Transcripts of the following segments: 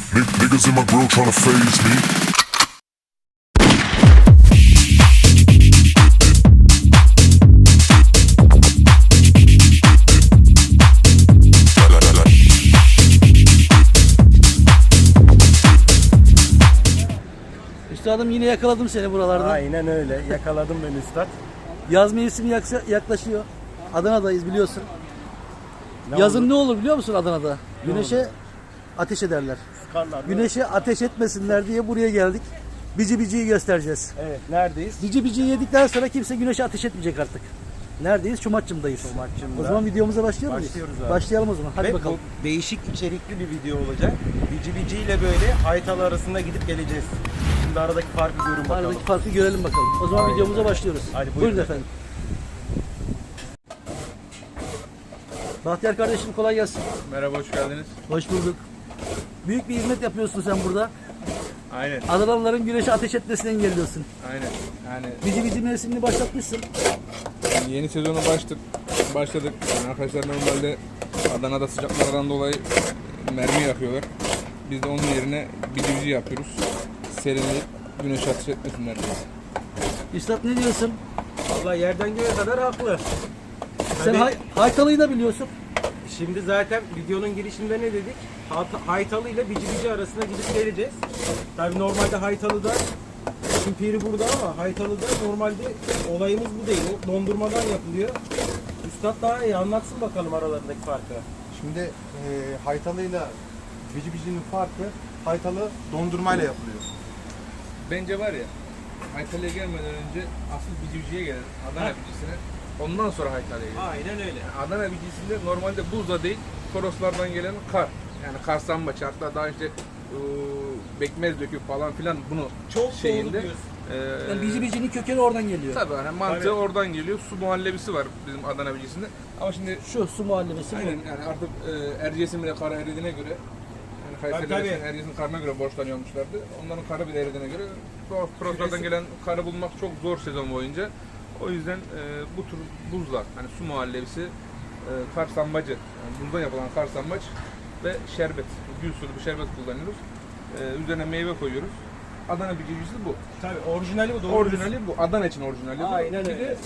Niggas in my grill tryna phase me. Üstadım yine yakaladım seni buralarda. Aynen öyle. Yakaladım beni üstad. Yaz mevsimi yaklaşıyor. Adana'dayız biliyorsun. Ne Yazın oldu? ne olur biliyor musun Adana'da? Güneşe ateş ederler. Sıkarlar, değil mi? Güneşe ateş etmesinler diye buraya geldik. Bici biciyi göstereceğiz. Evet. Neredeyiz? Bici biciyi yedikten sonra kimse güneşe ateş etmeyecek artık. Neredeyiz? Çomakçım'dayız. Çomakçım'da. O zaman videomuza başlayalım mı? Başlıyoruz abi. Başlayalım o zaman. Hadi Ve bakalım. bu değişik içerikli bir video olacak. Bici Bici ile böyle Haytalı arasında gidip geleceğiz. Şimdi aradaki farkı görün bakalım. Aradaki farkı görelim bakalım. O zaman Aynen. videomuza başlıyoruz. Hadi buyurun. Buyurun efendim. Bahtiyar kardeşim kolay gelsin. Merhaba, hoş geldiniz. Hoş bulduk. Büyük bir hizmet yapıyorsun sen burada. Aynen, Adanalıların güneşe ateş etmesini engelliyorsun. aynen. Yani Bici bici mevsimini başlatmışsın. yeni sezonu başladık. Yani arkadaşlar normalde Adana'da sıcaklardan dolayı mermi yakıyorlar. Biz de onun yerine bici yapıyoruz. Serinleyip güneş ateş etmesinler diye. Üstad ne diyorsun? Vallahi yerden göğe kadar haklı. Sen Hani- Haytalı'yı da biliyorsun. Şimdi zaten videonun girişinde ne dedik? Haytalı ile Bici Bici arasında gidip geleceğiz. Tabii normalde Haytalı'da Piri burada ama Haytalı'da normalde olayımız bu değil. O dondurmadan yapılıyor. Üstad daha iyi anlatsın bakalım aralarındaki farkı. Şimdi haytalıyla bici bicinin farkı, haytalı dondurmayla yapılıyor. Bence var ya, Haytalı'ya gelmeden önce asıl biciciye gelir. Adana bicisine. Ondan sonra Haytalı'ya gelir. Aynen öyle. Adana bicisinde normalde buzda değil, Toroslardan gelen kar. Yani karsambaç, hatta daha işte bekmez döküp falan filan bunu Çok doğru şeyinde. diyorsun. Yani bici bicinin kökeni oradan geliyor. Tabii hani mantığı Tabii. oradan geliyor. Su muhallebisi var bizim Adana bicisinde. Ama şimdi Şu su muhallebisi aynen bu. yani artık Erciyes'in bile karı eridiğine göre yani Kayseri'de tabii. Erciyes'in karına göre borçlanıyormuşlardı. Onların karı bile eridiğine göre Toroslardan gelen karı bulmak çok zor sezon boyunca. O yüzden bu tür buzlar hani su muhallebisi, kar sambacı, yani buzdan yapılan kar sambaç ve şerbet, gül sulu bir şerbet kullanıyoruz. Üzerine meyve koyuyoruz. Adana bicicisi bu. Tabii orijinali bu doğru. Orijinali bu. Adana için orijinali bu. Aynen Bir öyle. de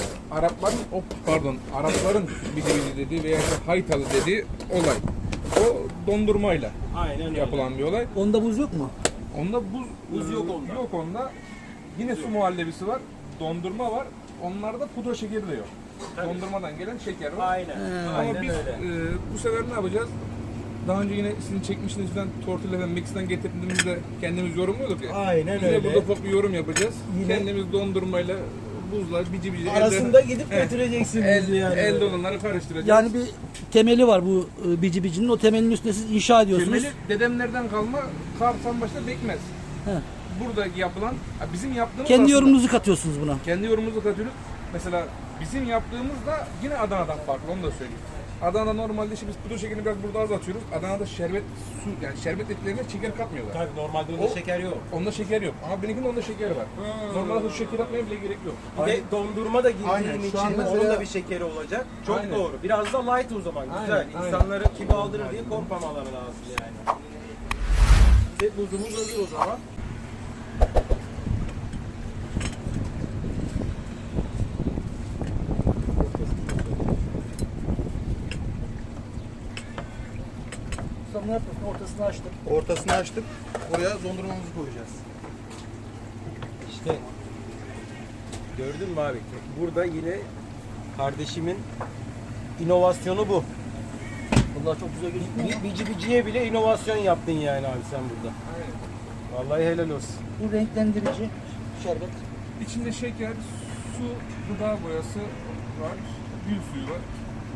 Arapların bici dediği veya işte haytalı dediği olay. O dondurmayla Aynen öyle. yapılan bir olay. Onda buz yok mu? Onda Buz yok onda. Yok onda. Yine su muhallebisi var. Dondurma var. Onlarda pudra şekeri de yok. Tabii. Dondurmadan gelen şeker var. Aynen. Ama Aynen biz öyle. bu sefer ne yapacağız? Daha önce yine sizin çekmiştiniz falan tortilla ve mix'ten getirdiğimizde kendimiz yorumluyorduk ya. Aynen Biz de öyle. burada ufak bir yorum yapacağız. Yine- Kendimiz dondurmayla buzla bici Arasında gidip götüreceksiniz elde, yani. elde olanları karıştıracağız. Yani bir temeli var bu bici bicinin. O temelin üstüne siz inşa ediyorsunuz. temeli dedemlerden kalma kar sambaçta bekmez. He. Burada yapılan bizim yaptığımız Kendi aslında- yorumunuzu katıyorsunuz buna. kendi yorumumuzu katıyoruz. Mesela bizim yaptığımız da yine Adana'dan farklı, onu da söyleyeyim. Adana'da normalde işte biz pudra şekerini biraz burada az atıyoruz. Adana'da şerbet su yani şerbet etlerine şeker katmıyorlar. Tabii normalde onda O- şeker yok. Onda şeker yok. Ama benimkinin onda şeker var. Normalde su şeker atmaya bile gerek yok. Bir de dondurma da girdiğin Aynen, şu için an onun mesela- da bir şekeri olacak. Çok Aynen. doğru. Biraz da light o zaman. Güzel. Aynen, İnsanları kilo aldırır diye korkmamaları lazım yani. Ve buzumuz hazır o zaman. Sen ne yapıyorsun? Ortasını açtın. Ortasını açtık, oraya dondurmamızı koyacağız. İşte gördün mü abi? Burada yine kardeşimin inovasyonu bu. Bunlar çok güzel gözüküyor. Bici biciye bile inovasyon yaptın yani abi sen burada. Vallahi helal olsun. Bu renklendirici şerbet. İçinde şeker, su, gıda boyası var, gül suyu var.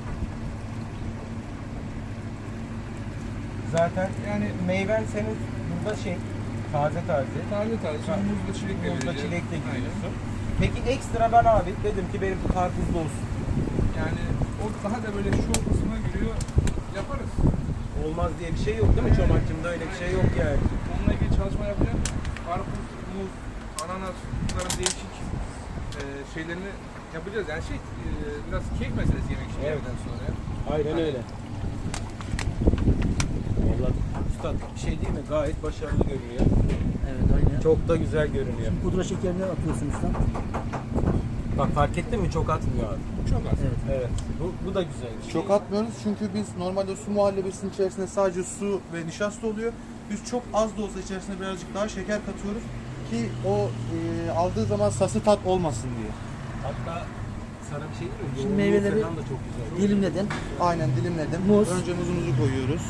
Zaten yani meyven senin burada taze. Taze taze, şimdi muzla çilek de Muzla vereceğiz. çilek de Aynen. giriyorsun. Peki ekstra ben abi dedim ki benim karpuzlu olsun. Yani o daha da böyle şu kısmına giriyor, yaparız. Olmaz diye bir şey yok değil mi Çomak'cığımda öyle bir şey yok yani. Onunla ilgili çalışma yapacağım. Karpuz, muz, ananas, bunların değişik şeylerini yapacağız. Yani biraz keyif meselesi yemek için Evet. yemekten sonra. Aynen öyle. Vallahi Üstad bir şey değil mi? Gayet başarılı görünüyor. Evet aynen. Çok da güzel görünüyor. Pudra şekerini atıyorsun ustam. Bak fark ettin mi? Çok atmıyor abi. Çok az. Evet. Bu da güzel. Çok atmıyoruz çünkü biz normalde su muhallebisinin içerisinde sadece su ve nişasta oluyor. Biz çok az da olsa içerisine birazcık daha şeker katıyoruz ki o aldığı zaman sası tat olmasın diye. Hatta sana bir şey diyeyim mi? Şimdi Yoğunluğu meyveleri falan da çok güzel. dilimledin. Aynen dilimledim. Muz. Önce muzumuzu koyuyoruz.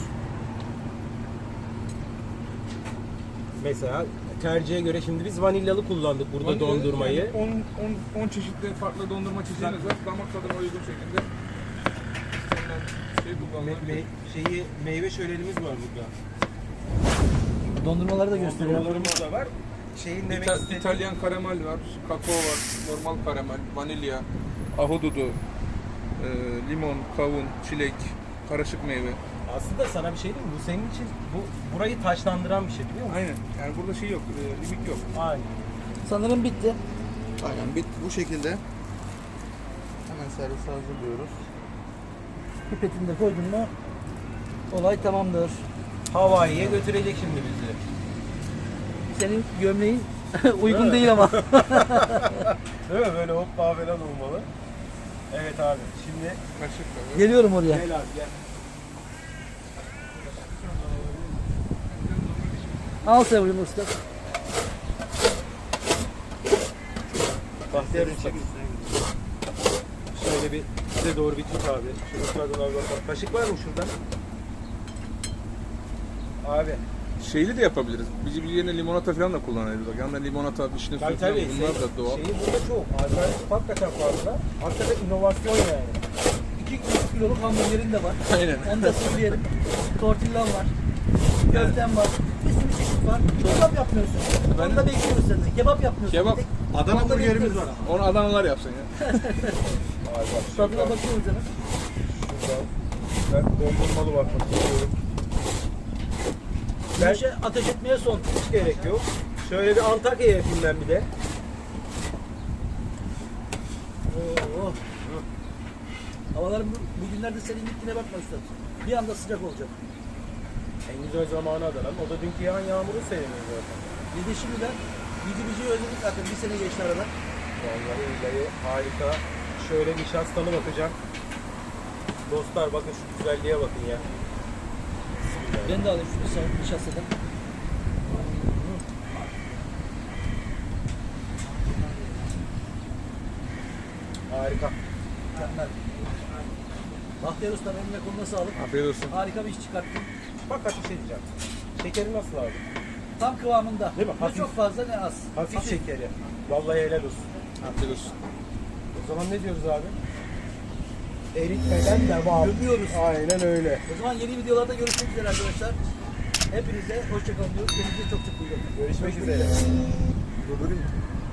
Mesela tercihe göre şimdi biz vanilyalı kullandık burada Vanilya, dondurmayı. yani 10 çeşitli farklı dondurma çeşidimiz var. Damak tadına uygun şekilde istenilen şey kullanılabilir. Meyve şölenimiz var burada. Dondurmaları da gösteriyor. Dondurmalarımız da var. Şeyin demek istediğim... İtalyan karamel var, kakao var, normal karamel, vanilya, ahududu, limon, kavun, çilek, karışık meyve. Aslında sana bir şey diyeyim mi? Bu senin için burayı taşlandıran bir şey biliyor musun? Aynen. Yani burada şey yok, limit yok. Aynen. Sanırım bitti. Aynen bu şekilde. Hemen servise hazırlıyoruz. Pipetini de koydun mu olay tamamdır. Hawaii'ye götürecek şimdi bizi. Senin gömleğin uygun değil ama. Değil mi? Böyle hoppa falan olmalı. Evet abi. Şimdi Kaşık tabii. Geliyorum oraya. gel abi gel. Al Sevrim usta. Bahtiyar Usta. Şöyle bir size doğru bir tut abi. Şunun tadına bir bakalım. Kaşık var mı şurada? Abi. Şeyli de yapabiliriz. Bici yerine limonata falan da kullanabiliriz. Bak yanında limonata, vişne suyu falan bunlar da doğal. Şeyi burada çok. Alternatif hakikaten fazla. Hakikaten inovasyon yani. 2 kiloluk hamburgerin de var. Aynen. Onu da söyleyelim. Tortillan var. Köften var. Bir sürü çeşit var. Kebap yapmıyorsun. Onu da bekliyoruz senden. Kebap yapmıyorsun. Kebap. Bir tek Adana onu da burgerimiz bekliyoruz. var ama. Onu Adanalılar yapsın ya. Abi bak Tadına bakıyoruz canım. şuradan. Ben dondurmalı bakmak istiyorum. Güneşe ateş etmeye son. Hiç gerek yok. Şöyle bir Antakya'ya yapayım ben bir de. Oo. Havalar bugünlerde senin gittiğine bakma üstad. Bir anda sıcak olacak. En güzel zamanı Adana'nın. O da dünkü yağan yağmuru sevmiyor zaten. Bir de şimdiden bici özledik zaten. Bir sene geçti aradan. Vallahi billahi harika. Şöyle nişastalı bakacağım. Dostlar bakın şu güzelliğe bakın ya. Bismillah. Ben de alayım şu nişastadan. Harika. Mükemmel. Bahtiyar Usta eline koluna sağlık. Afiyet olsun. Harika bir iş çıkarttın. Bak ateş edeceğim. Şekeri nasıl abi? Tam kıvamında. Değil mi? Ne Hafif. çok fazla ne az. Hafif şekeri. Vallahi helal olsun. Afiyet olsun. O zaman ne diyoruz abi? Eritmeden devam. Gömüyoruz. Aynen öyle. O zaman yeni videolarda görüşmek üzere arkadaşlar. Hepinize hoşçakalın diyoruz. Kendinize çok çok iyi bakın. Görüşmek üzere. Durdurayım mı?